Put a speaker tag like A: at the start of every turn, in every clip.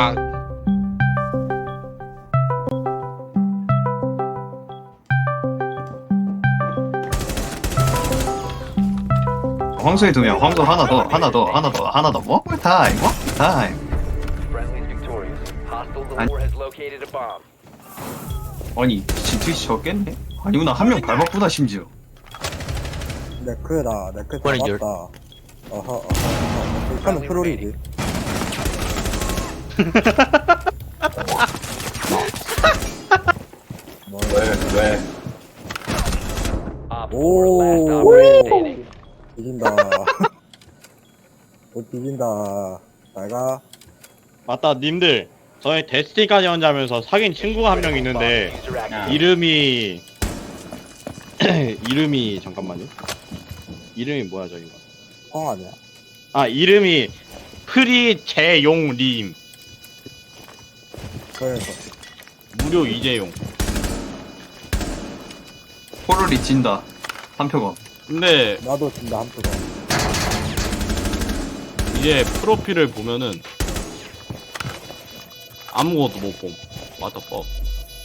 A: 아.
B: 황소에 2명, 황소 하나 더, 하나 더, 하나 더, 하나 더. One more time, one more time.
C: Friendly's victorious. Hostile the war has located a bomb.
B: 아니, 진트위치 적겠네? 아니구나, 한 명 밟았구나, 심지어.
D: 네크다, 네크
A: 이번엔 열-
D: 잡았다. 어허. 하면 트롤이지. 뭐,
B: 왜?
C: Op 4 last
D: 오,
C: operator standing.
D: 비긴다. 비긴다. 잘가.
E: 맞다, 님들. 저희 데스티까지 혼자면서 사귄 친구가 한 명 있는데
C: User activated.
E: 이름이 이름이 잠깐만요. 이름이 뭐야 저기가?
D: 펑 아니야?
E: 아 이름이 프리재용님.
D: 그래서.
E: 무료 이재용.
B: 포르리 진다. 한 표가.
E: 근데
D: 나도 진다, 한 표가.
E: 이제 프로필을 보면은 아무것도 못 봄. What the fuck?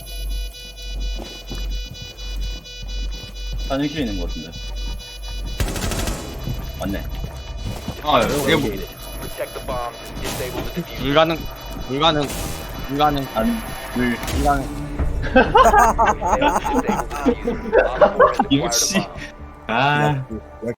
F: 화장실에 있는 것 같은데. 맞네.
B: 아, 이게 뭐.
C: Protect the bombs and disable the diffuser.
E: 불가능.
F: 안, 물,
E: 불가능.
C: Disable the diffuser. Op 4 has acquired a
B: 역시.
C: bomb.
B: 아,